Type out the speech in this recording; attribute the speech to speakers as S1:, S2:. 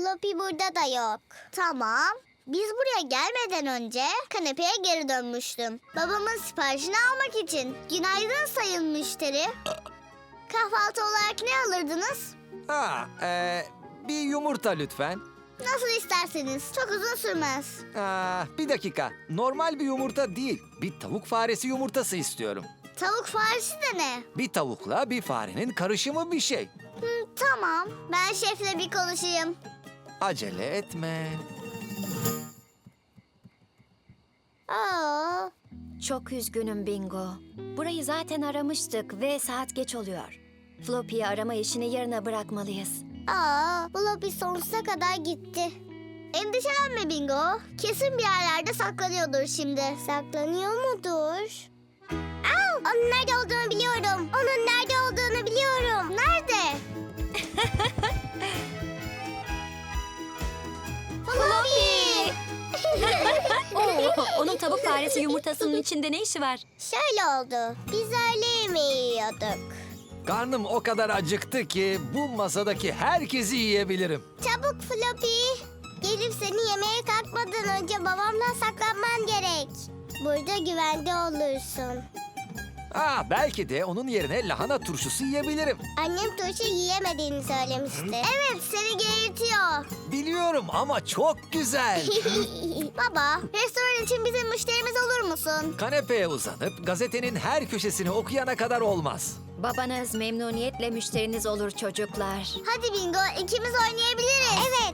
S1: Floppy burada da yok. Tamam. Biz buraya gelmeden önce kanepeye geri dönmüştüm. Babamın siparişini almak için. Günaydın sayın müşteri. Kahvaltı olarak ne alırdınız?
S2: Bir yumurta lütfen.
S1: Nasıl isterseniz. Çok uzun sürmez.
S2: Bir dakika. Normal bir yumurta değil. Bir tavuk faresi yumurtası istiyorum.
S1: Tavuk faresi de ne?
S2: Bir tavukla bir farenin karışımı bir şey.
S1: Tamam. Ben şefle bir konuşayım.
S2: Acele etme.
S1: Aa,
S3: Çok üzgünüm Bingo. Burayı zaten aramıştık ve saat geç oluyor. Floppy'yi arama işini yarına bırakmalıyız.
S1: Floppy sonsuza kadar gitti. Endişelenme Bingo. Kesin bir yerlerde saklanıyordur şimdi. Saklanıyor mudur? Onun nerede olduğunu biliyorum. Onun nerede olduğunu biliyorum. Nerede? Floppy!
S3: Onun tavuk faresi yumurtasının içinde ne işi var?
S1: Şöyle oldu. Biz öğle yemeği yiyorduk.
S2: Karnım o kadar acıktı ki bu masadaki herkesi yiyebilirim.
S1: Çabuk Floppy. Gelip seni yemeğe kalkmadan önce babamdan saklanman gerek. Burada güvende olursun.
S2: Belki de onun yerine lahana turşusu yiyebilirim.
S1: Annem turşu yiyemediğini söylemişti. Evet, seni geğirtiyor.
S2: Biliyorum ama çok güzel.
S1: Baba, restoran için bizim müşterimiz olur musun?
S2: Kanepeye uzanıp gazetenin her köşesini okuyana kadar olmaz.
S3: Babanız memnuniyetle müşteriniz olur çocuklar.
S1: Hadi Bingo, ikimiz oynayabiliriz. Evet.